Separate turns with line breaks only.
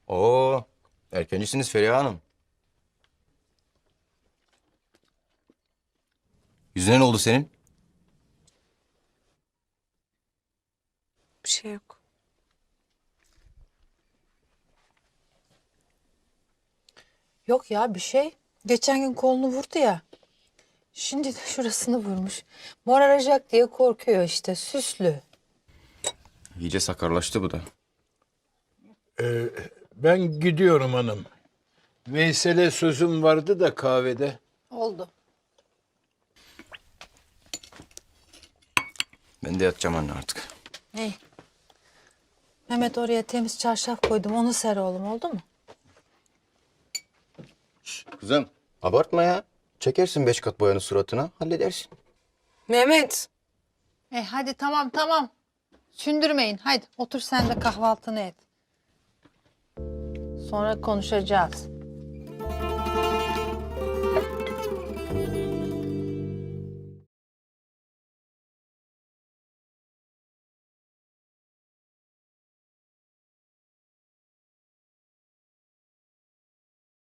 Oo, erkencisiniz Feriha Hanım. Yüzüne ne oldu senin?
Bir şey yok.
Yok ya bir şey. Geçen gün kolunu vurdu ya. Şimdi de şurasını vurmuş. Moraracak diye korkuyor işte süslü.
İyice sakarlaştı bu da.
Ben gidiyorum hanım. Veysel'e sözüm vardı da kahvede.
Oldu.
Ben de yatacağım anne artık.
İyi. Mehmet oraya temiz çarşaf koydum onu ser oğlum oldu mu?
Kızım abartma ya. Çekersin 5 kat boyanı suratına halledersin.
Mehmet.
Hadi tamam. Sündürmeyin. Hadi otur sen de kahvaltını et. Sonra konuşacağız.